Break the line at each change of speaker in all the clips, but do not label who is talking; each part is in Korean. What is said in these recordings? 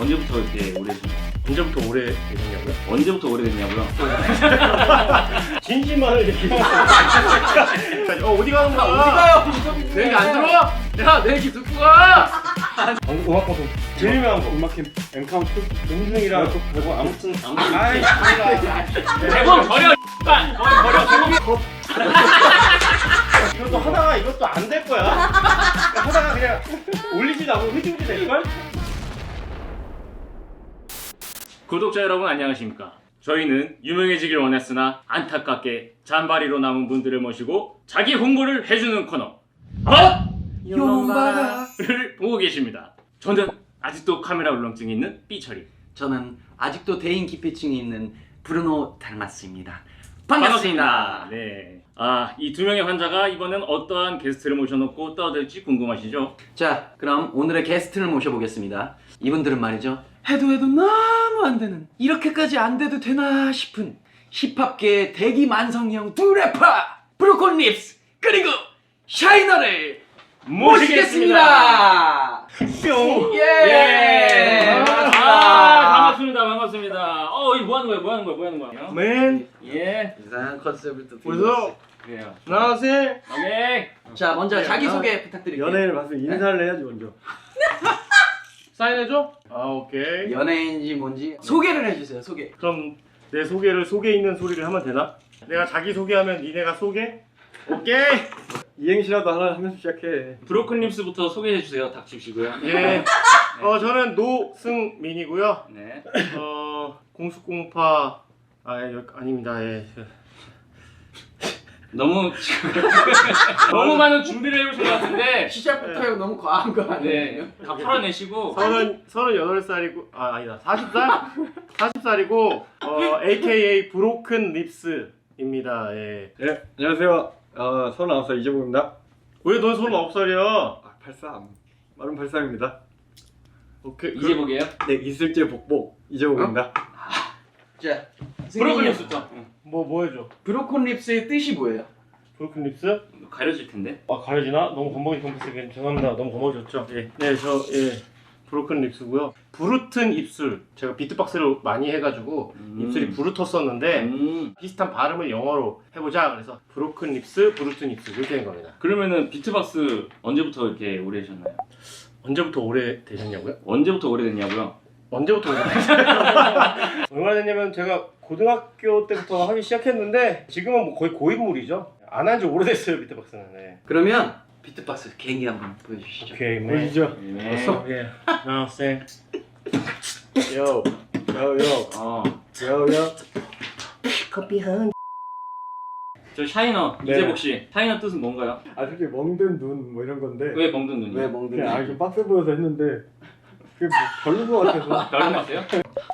언제부터 이렇게 오래 되셨나요?
언제부터 오래 되셨냐고요?
언제부터 오래 됐냐고요?
진심만을 얘기해. 어디 가는 거야?
어디 가요?
내 얘기 안 들어?
야, 내 얘기 듣고 가!
음악 방송 제일 유명한 거
음악 캠 엔카운트
음중이랑
뭐 아무튼
아이
대본 버려. 버려 대본.
이것도 하다가 이것도 안 될 거야. 하다가 그냥 올리지도 않고 흐지부지 될걸?
구독자 여러분 안녕하십니까? 저희는 유명해지길 원했으나 안타깝게 잔바리로 남은 분들을 모시고 자기 홍보를 해주는 코너 를 보고 계십니다. 저는 아직도 카메라 울렁증이 있는 삐처리.
저는 아직도 대인 기피증이 있는 브루노 달마스입니다.
반갑습니다. 네. 이 두 명의 환자가 이번엔 어떠한 게스트를 모셔놓고 떠들지 궁금하시죠?
자, 그럼 오늘의 게스트를 모셔보겠습니다. 이분들은 말이죠, 해도 너무 안 되는, 이렇게까지 안 돼도 되나 싶은 힙합계의 대기 만성형 두 래퍼 브로콜 립스 그리고 샤이너를 모시겠습니다.
뿅!
예!
반갑습니다. 반갑습니다. 이거 뭐 하는 거야?
맨
예.
이상한 컨셉을 또
벌써
그래요.
안녕하세요.
오케이.
자, 먼저 자기소개 부탁드릴게요.
연예인을 봤으면 인사를 해야지 먼저.
사인해줘? 오케이.
연예인지 뭔지 소개를 해주세요. 소개.
그럼 내 소개를 속에 있는 소리를 하면 되나? 내가 자기 소개하면 니네가 소개? 오케이.
이행시라도 하나 하면서 시작해.
브로큰립스부터 소개해 주세요. 닥치시고요.
예. 저는 노승민이고요.
네.
공수공파 아닙니다. 예.
너무 많은 준비를 해오신 것 같은데.
시작부터 너무 과한 거 아니에요?
네. 다 풀어내시고.
38살이고 아니다 40살이고 AKA 브로큰 립스입니다. 예.
네, 안녕하세요. 39살 이재복입니다.
왜 넌 39살이야?
83. 마른 83입니다.
오케이.
이제복이에요?
네, 이슬재 복복 이재복입니다.
자,
브로큰립스부터.
뭐 해줘?
브로콜 립스의 뜻이 뭐예요?
브로큰 립스?
가려질 텐데.
가려지나? 너무 건방진 컴퓨터 죄송합니다. 너무 건방졌죠? 예. 네, 브로큰 립스고요. 부르튼 입술. 제가 비트박스를 많이 해가지고 입술이 부르텄었는데 비슷한 발음을 영어로 해보자. 그래서 브로큰 립스, 부르튼 입술 이렇게 된 겁니다.
그러면은 비트박스 언제부터 이렇게 오래 하셨나요?
언제부터 오래 되셨냐고요?
언제부터 오래 됐냐고요?
언제부터 오래 얼마나 됐냐면 제가 고등학교 때부터 하기 시작했는데 지금은 뭐 거의 고인물이죠. 안 한 지 오래됐어요 비트박스는. 네.
그러면 비트박스 개인기 한번 보여주시죠.
오케이,
보이죠?
네.
예. 쌤.
요,
커피 한.
저 샤이너
네.
이재복 씨. 샤이너 뜻은 뭔가요?
솔직히 멍든 눈 뭐 이런 건데.
왜 멍든 눈이요?
왜 멍든
그냥 좀 빡세 보여서 했는데 그게 뭐 별로인 것 같아서.
별로 같아요?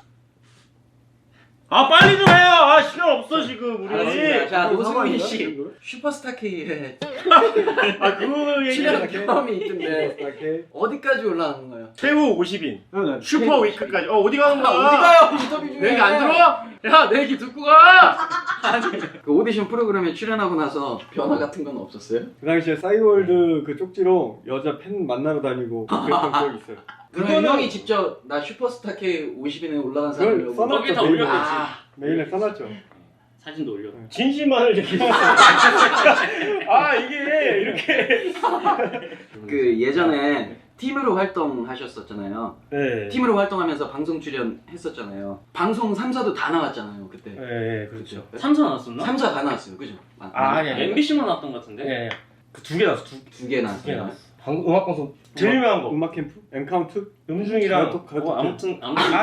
빨리 좀 해요. 시간 없어 지금 우리.
알았습니다. 자,
그거
노승민
상관인가?
씨 슈퍼스타 K에
그 얘기.
출연 경험이 있던데
이렇게.
어디까지 올라가는 거예요?
최후 50인 슈퍼 위크까지. 어디 가는 거야?
어디 가요? 인터뷰 중에.
내 얘기 안 들어?
야, 내 얘기 듣고 가! 그 오디션 프로그램에 출연하고 나서 변화 같은 건 없었어요?
그 당시에 싸이월드 그 쪽지로 여자 팬 만나러 다니고 그랬던 기억이 있어요.
그러면 형이 직접 나 슈퍼스타 K 50인에 올라간
그걸
사람이라고
써놨죠.
거기다
메일에.
올렸겠지.
메일에 써놨죠.
사진도 올려.
진심만을 얘기해. 이게 이렇게.
그 예전에 팀으로 활동하셨었잖아요.
네.
팀으로 활동하면서 방송 출연했었잖아요. 방송 3사도 다 나왔잖아요, 그때.
네, 그렇죠.
3사 나왔었나?
3사 다 나왔어요, 그죠?
아니.
MBC만 나왔던 것 같은데?
네. 그 두 개 나왔어.
두 개 나왔어요.
나왔어. 음악 방송 제일 유명한 거.
음악 캠프? 엔카운트?
음중이랑
아무튼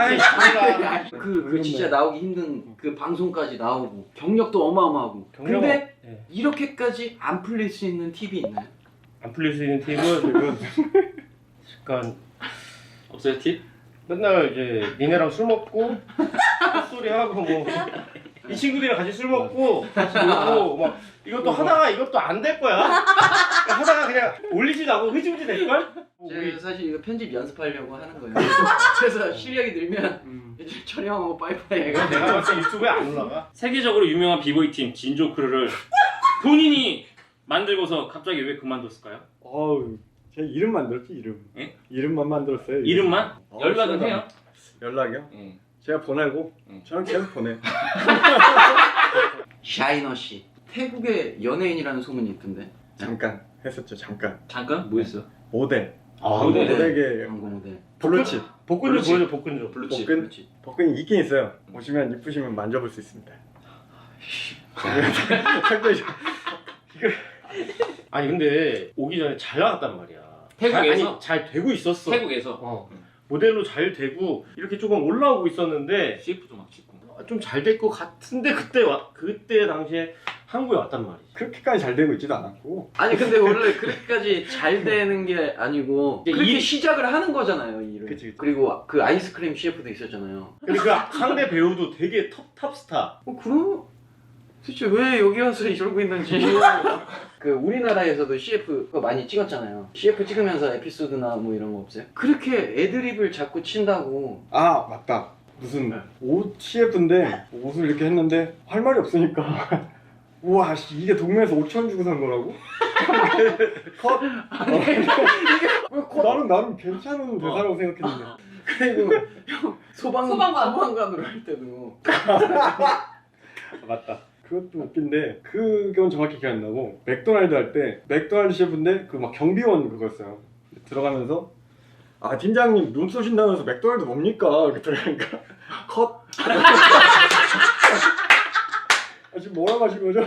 그 진짜 나오기 힘든 그 방송까지 나오고 경력도 어마어마하고. 근데
네.
이렇게까지 안 풀릴 수 있는 팁이 있나요?
안 풀릴 수 있는 팁은 약간
없어요 팁?
맨날 이제 니네랑 술 먹고 헛소리 하고 뭐 이 친구들이랑 같이 술 먹고 같이 놀고 막 이것도 하다가 이것도 안 될 거야. 하다가 그냥 올리지도 않고 흐지부지 될걸?
제가 사실 이거 편집 연습하려고 하는 거예요. 그래서 실력이 늘면 이제 촬영하고 빠이빠이 해가
내가 봤을 때 유튜브에 안 올라가.
세계적으로 유명한 비보이 팀 진조크루를 본인이 만들고서 갑자기 왜 그만뒀을까요?
제 이름 만들었지 이름.
예?
이름만 만들었어요.
이름만? 연락은
시원하네.
해요?
연락이요?
응.
제가 보내고
응.
저는 계속 보내.
샤이너 씨. 태국의 연예인이라는 소문이 있던데.
잠깐 했었죠. 잠깐.
잠깐? 뭐 했어?
모델.
아,
모델.
모델계
광고 모델.
블루칩.
복근 좀
그렇지.
보여줘, 복근 좀.
블루칩.
복근?
블루칩.
복근이 있긴 있어요. 보시면 이쁘시면 만져볼 수 있습니다. 상당히
아니 근데 오기 전에 잘 나갔단 말이야.
태국에서?
잘 되고 있었어.
태국에서
어. 모델로 잘 되고 이렇게 조금 올라오고 있었는데
CF도 막 찍고.
좀 잘 될 것 같은데 그때 당시에 한국에 왔단 말이지.
그렇게까지 잘 되고 있지도 않았고.
아니 근데 원래 그렇게까지 잘 되는 게 아니고
이제
그렇게
일-
시작을 하는 거잖아요, 이 일을.
그치.
그리고 그 아이스크림 CF도 있었잖아요.
근데 그 상대 배우도 되게 탑스타.
그럼 도대체 왜 여기 와서 이러고 있는지. 그 우리나라에서도 CF 거 많이 찍었잖아요. CF 찍으면서 에피소드나 뭐 이런 거 없어요? 그렇게 애드립을 자꾸 친다고.
아 맞다. 무슨 옷 CF인데 옷을 이렇게 했는데 할 말이 없으니까 우와 씨, 이게 동네에서 5천 주고 산 거라고? 컷? 나는 괜찮은 대사라고 생각했는데
그리고 형 소방관으로 할 때도
맞다. 그것도 웃긴데 그건 정확히 기억 안 나고 맥도날드 할 때 맥도날드 CF인데 그 막 경비원 그거였어요. 들어가면서 아 팀장님 눈 쏘신다면서 맥도날드 뭡니까? 이렇게 들어가니까 컷. 아, 지금 뭐라고 하신 거죠?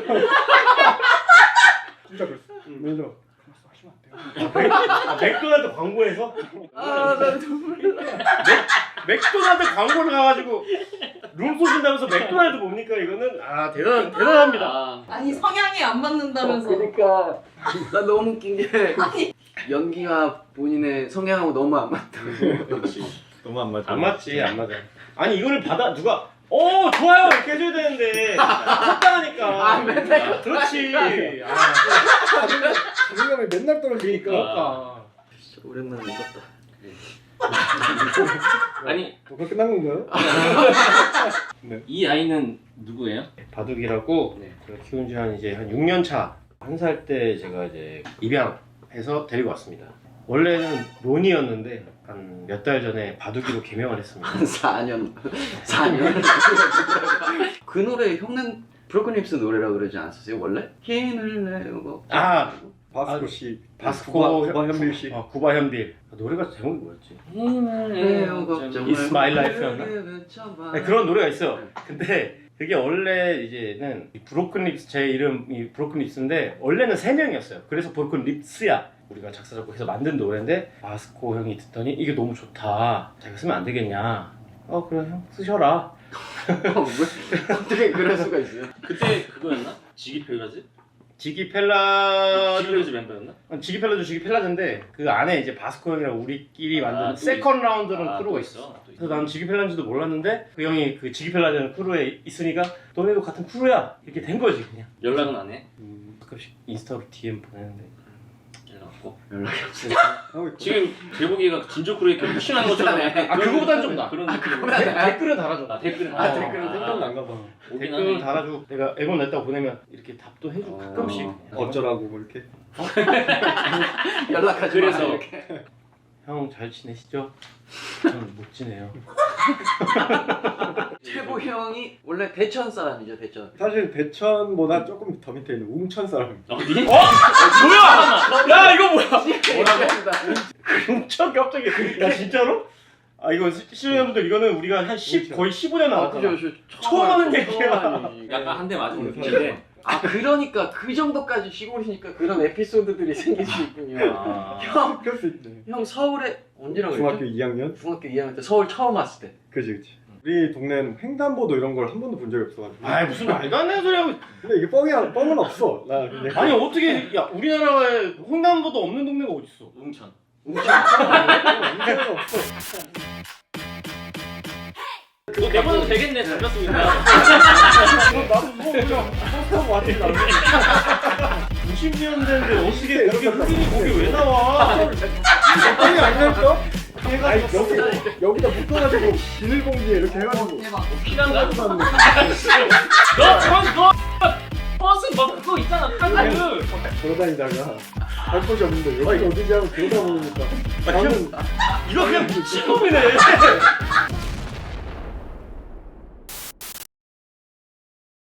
진짜 그랬어. 매니저 하시면 안 돼요.
맥도날드 광고에서
나 눈물 나.
맥도날드 광고를 가가지고 룸 쏘신다면서 맥도날드 뭡니까 이거는 대단합니다.
아,
아니 성향이 안 맞는다면서.
그러니까 나 너무 웃긴 게 연기가 본인의 성향하고 너무 안 맞다고.
그렇지.
너무 안 맞아.
안 맞지 안 맞아. 아니 이거를 누가 좋아요 이렇게 해줘야 되는데 적당하니까.
아, 맨날
그렇지.
자존감이 맨날 떨어지니까.
그러니까.
진짜 오랜만에 웃었다.
아니,
그거 끝난 건가요?
이 아이는 누구예요?
바둑이라고
네.
제가 키운 지 한 6년 차. 1살 때 제가 이제 입양해서 데리고 왔습니다. 원래는 론이었는데 한 몇 달 전에 바둑이로 개명을 했습니다.
한 4년. 그 노래 형는 브로큰립스 노래라고 그러지 않았어요 원래? 힘을 내고.
바스코 씨,
바스코
구바 현빌 씨.
구바 현빌. 노래가 제목이 뭐였지?
그래요 걱정을.
It's my life였나? 네, 그런 노래가 있어요. 근데 그게 원래 이제는 브로큰 립스 제 이름이 브로큰 립스인데 원래는 3명이었어요. 그래서 브로큰 립스야. 우리가 작사 작곡해서 만든 노래인데 바스코 형이 듣더니 이게 너무 좋다. 자기가 쓰면 안 되겠냐? 그래 형 쓰셔라.
왜? 어떻게 그럴 수가 있어요?
그때 그거였나? 지기펠라즈?
지기펠라즈
지기펠라즈 멤버였나?
지기펠라즈인데 그 안에 이제 바스코 형이랑 우리끼리 만든
또
세컨 라운드라는 크루가
또
있어.
또
그래서 난 지기펠라인지도 몰랐는데 그 형이 그 지기펠라즈라는 크루에 있으니까 너네도 같은 크루야 이렇게 된 거지 그냥.
연락은 안 해?
가끔씩 인스타로 DM 보내는데
연락 없고.
연락이 없어요.
지금 제복이가 진저크로 이렇게 푸싱하는 것처럼
비슷하네.
그거보단 좀 나아.
그런
댓글은 달아줘.
댓글은
댓글은
생각난가 봐.
댓글 달아주고 내가 앨범 냈다고 보내면 이렇게 답도 해주고 가끔씩.
어쩌라고 뭐 이렇게.
연락하지
그래서.
마, 이렇게.
형 잘 지내시죠? 저는 못 지내요.
최보 형이 원래 대천 사람이죠 대천.
사실 대천보다 조금 더 밑에 있는 웅천 사람.
어디?
뭐야? 야 이거 뭐야?
뭐라고?
엄청 갑자기. 야 진짜로? 이거 시청자분들 이거는 우리가 한 10 거의 15년
아
나왔잖아.
그죠
처음 하는 얘기야.
약간 한 대 맞은 느낌인데.
아 그러니까 그 정도까지 시골이니까 그런 에피소드들이 생길 수 있군요. 형,
그럴 수 있네.
형 서울에 언제라고
중학교
그랬죠?
2학년?
중학교 2학년 때 서울 처음 왔을 때.
그지. 우리 동네는 횡단보도 이런 걸 한 번도 본 적이 없어가지고.
아 무슨 말도 안 되는 소리 하고.
근데 이게 뻥은 없어. 나 그냥.
아니 어떻게 야 우리나라에 횡단보도 없는 동네가 어딨어?
웅천.
웅천은 없어.
너 내보내도 되겠네. 잘 봤으니까
나도 뭐 그냥 버스타고 왔지 나.
90년대인데 어떻게 그렇게 흑인이 거기 왜 나와?
뻥이 아니랄까? 아니 여기다 묶어가지고 비닐봉지에 이렇게 해가지고.
대박.
피난가?
너
너 버스 막 그거 있잖아. 카드.
돌아다니다가 갈 곳이 없는데 여기 어디지 하고 들여다보니까
이거 그냥 친놈이네.